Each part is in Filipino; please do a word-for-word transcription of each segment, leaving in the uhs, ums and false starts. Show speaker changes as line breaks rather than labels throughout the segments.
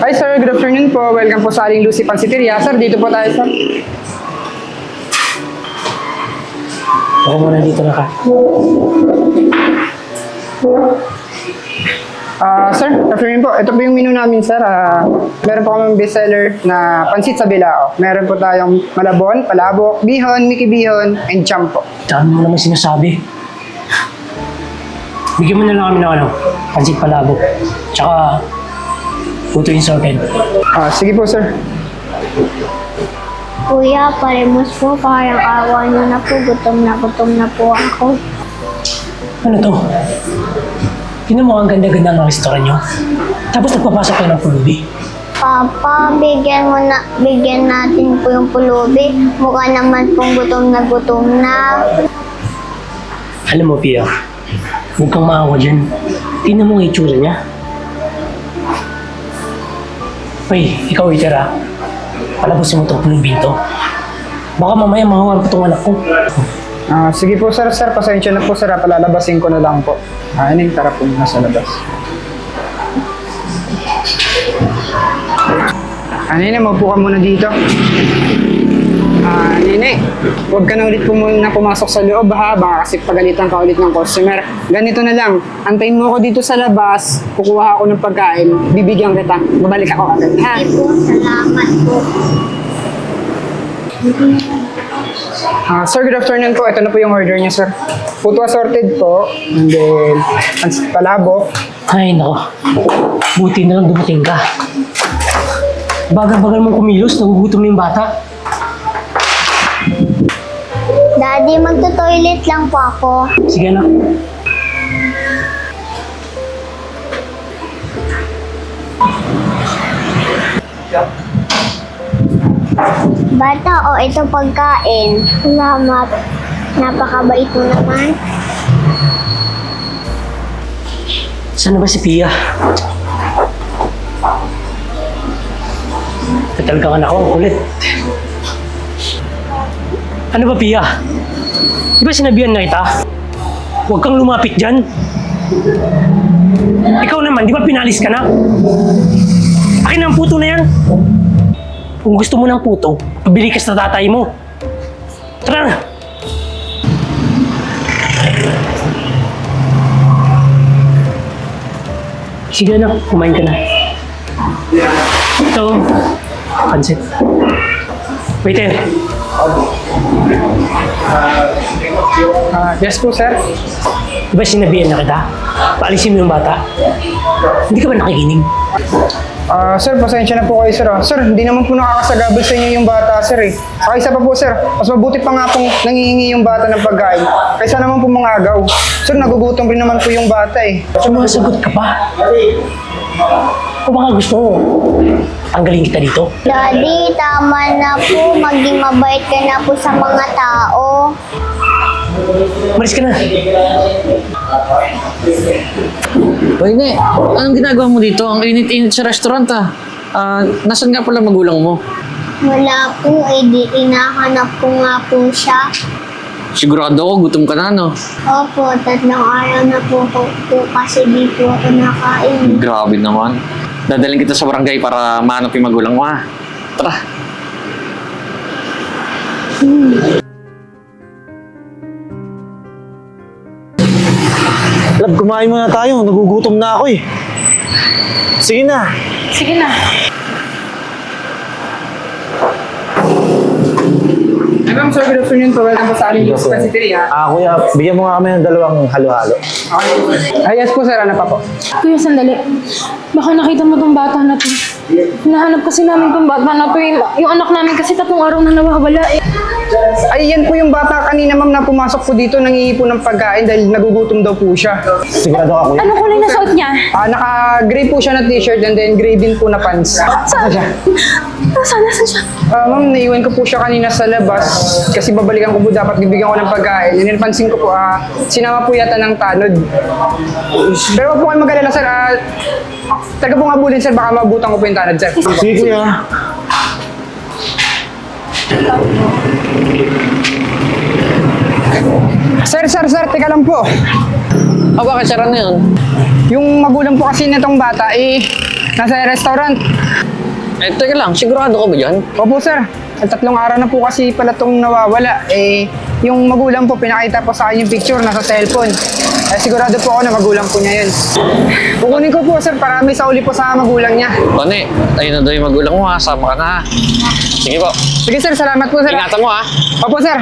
Hi sir, good afternoon po. Welcome po sa Aling Lucy Pansiteria. Sir, dito po tayo sir.
Ako muna dito na ka.
Ah, sir, good afternoon po. Ito po yung menu namin sir. Ah, meron po kami bestseller na pansit sa bilao. Meron po tayong malabon, palabok, bihon, miki bihon, and cham po.
Dami mo naman sinasabi. Bigyan mo na lang kami ng ano, pansit palabok. Tsaka, puto yung sorted.
Ah, sige po sir.
Kuya, paremos po, parang awa niyo na po, gutom na gutom na po ako.
Ano to? Tingnan mo ang ganda-ganda ng restaurant nyo. Tapos nagpapasok kayo ng pulubi.
Papa, bigyan mo na, bigyan natin po yung pulubi. Mukha naman pong gutom na gutom na.
Alam mo, Pia, huwag kang maawa dyan. Tingnan mo ang itsura niya. Uy, ikaw waiter ah. Palabasin mo itong pulubin to. Baka mamaya mahawan pa itong anak ko.
Ah, sige po sir, sir, pasensya na po sir. Ah, palalabasin ko na lang po. Ah, ano yung tara po nasa labas. Ah, Nene, maupo ka muna dito. Ah, Nene, huwag ka na ulit po muna pumasok sa loob ha, baka kasi pagalitan ka ulit ng customer. Ganito na lang, antayin mo ako dito sa labas, kukuha ako ng pagkain, bibigyan kita, babalik ako agad ha.
Sige po, salamat po.
Ah, sir, good afternoon po. Ito na po yung order niya, sir. Puto assorted po, and then pansit palabok.
Ay, nako. Buti na lang dumating ka. Bagal-bagal mong kumilos, nagugutom na yung bata.
Daddy, magto-toilet lang po ako.
Sige na.
Bata, o ito pagkain. Salamat. Napakabait mo naman.
Saan na ba si Pia? Talaga ka na ako, ang kulit. Ano ba, Pia? Di ba sinabihan na kita? Huwag kang lumapit dyan. Ikaw naman, di ba pinalis ka na? Akin na ang puto na yan. Kung gusto mo ng puto, pabili ka sa tatay mo. Tara na! Sige na, kumain ka na. Ito, pansit. Waiter,
Ah, yes po, sir.
di ba sinabihan na kita? Paalisin mo yung bata. Hindi ka ba nakikinig?
Ah, sir, pasensya na po kayo, sir. ah. Sir, hindi naman po nakakasagabal sa inyo yung bata, sir eh. Saka isa pa po, sir, mas mabuti pa nga pong nangihingi yung bata ng pagkain kaysa naman po mga agaw. Sir, nagugutom rin naman po yung bata eh.
Sumasagot ka pa? O baka gusto mo, tanggalin kita dito?
Daddy, tama na po. Maging mabait ka na po sa mga tao.
Maris ka na.
Hoy, ne, anong ginagawa mo dito? Ang init-init sa restaurant ah. Ah, nasan nga pala magulang mo?
Wala po, eh di inahanap ko nga po siya.
Sigurado ako, gutom ka na, no?
Opo, tatlong araw na po, po, po kasi di po ako nakain.
Grabe naman. Dadaling kita sa barangay para mahanap yung magulang mo, ha? Tara.
Lab, kumain muna tayo. Nagugutom na ako eh. Sige na.
Sige na.
Hi, ma'am, sir, good afternoon po. Welcome po sa Aling Lucy Pansiteria.
Ah, kuya, bigyan mo nga kami ng dalawang halo-halo.
Okay. Ah, yes po, sir. Ano pa po?
Kuya, sandali. Baka nakita mo tong bata na to. Hinahanap kasi namin tong bata na to. Yung, yung anak namin kasi tatlong araw na nawawala eh.
Ay, yan po yung bata kanina, ma'am, na pumasok po dito, nangihi po ng pagkain dahil nagugutom daw po siya.
Sigurado ka, kuya.
Anong kulay na suot niya?
Ah, naka-gray po siya na t-shirt and then gray din po na pants.
Saan? Nasaan? Nasaan siya?
Ah, ma'am, naiwan ko po siya kanina sa labas kasi babalikan ko po dapat bibigyan ko ng pagkain. And then pansin ko po, ah, sinama po yata ng tanod. Pero wag po kayo mag-alala, sir. Ah, taga po nga bulin, sir. Baka mabutan ko po yung tanod, sir.
Sige, kuya.
Sir, sir, sir, teka lang po.
Ah, bakit sarap na yun?
Yung magulang po kasi nitong bata, eh, nasa restaurant.
Eh, teka lang, sigurado ka ba dyan?
Opo, sir. At tatlong araw na po kasi pala itong nawawala. Eh, yung magulang po, pinakita po sa akin yung picture, nasa cellphone. Eh, sigurado po ako na magulang po niya yun. Kukunin ko po, sir, para may sauli po sa magulang niya.
Tony, ayun na daw yung magulang mo ha. Sama ka na ha. Sige po.
Sige, sir. Salamat po, sir.
Ingatan mo ha.
Opo, sir.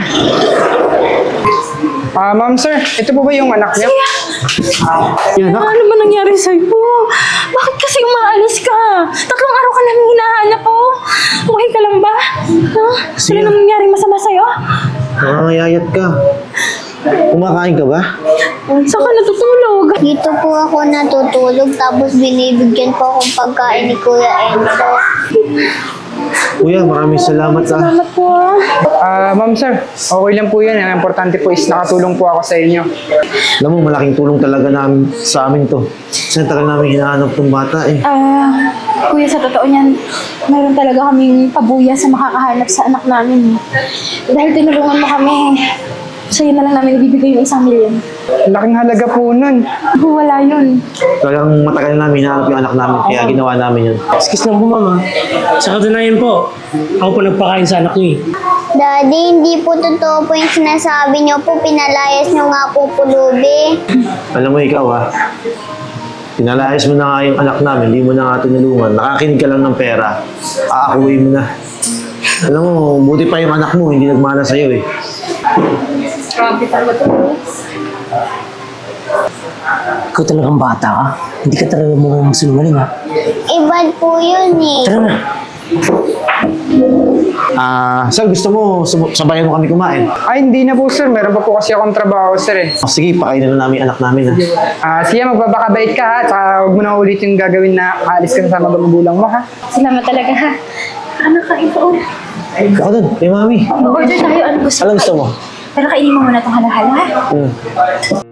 Ah, ma'am, sir. Ito po ba yung anak niyo?
Yan, anak.
Ano ba nangyari sa'yo? Bakit kasi umaalis ka? Tatlong araw ka namin hinahanap po. Okay ka lang ba? Ha?
Sige.
Wala namang nangyaring masama sa'yo?
Nangangayayat ka. Kumakain ka ba?
Saan ka natutulog?
Dito po ako natutulog tapos binibigyan po akong pagkain ni Kuya Enzo.
Kuya, maraming salamat ah.
Salamat po ah.
Ah, ma'am, sir. Okay lang po yun. Ang importante po is nakatulong po ako sa inyo.
Alam mo, malaking tulong talaga namin sa amin to. Kasi tagal namin hinahanap tong bata eh.
Ah, kuya, sa totoo niyan, mayroon talaga kaming pabuya sa makakahanap sa anak namin. Dahil tinulungan mo kami, sa'yo na lang namin ibibigay yung isang milyon.
Laking halaga po nun.
Wala yun.
Talagang matagal namin hinahanap yung anak namin, kaya ginawa namin yun.
Excuse lang po, mama. Sa katunayan po, ako po nagpakain sa anak niyo eh.
Daddy, hindi po totoo po yung sinasabi niyo po. Pinalayas niyo nga po pulubi.
Alam mo ikaw ah, pinalayas mo na nga yung anak namin, hindi mo na nga tinulungan, nakakinig ka lang ng pera, aakuwi mo na. Alam mo, buti pa yung anak mo, hindi nagmana sa'yo eh.
Ikaw talagang bata ka. Hindi ka talaga mukhang sinungaling ha.
Ibad po yun eh.
Tara na.
Ah, sir, gusto mo sum- sabayan mo kami kumain?
Ay, hindi na po, sir. Meron pa po kasi akong trabaho, sir eh.
Oh, sige, pakainin na namin yung anak namin ha.
Ah, sige, magbabakabait ka ha. Tsaka huwag mo na ulit yung gagawin na aalis ka na sa mga magulang mo ha.
Salamat talaga ha. Anak ka, ito.
Ako dun, kay mami.
Order tayo, ano gusto
Alam gusto mo?
Pero kainin mo muna itong halahala ha.
Hmm.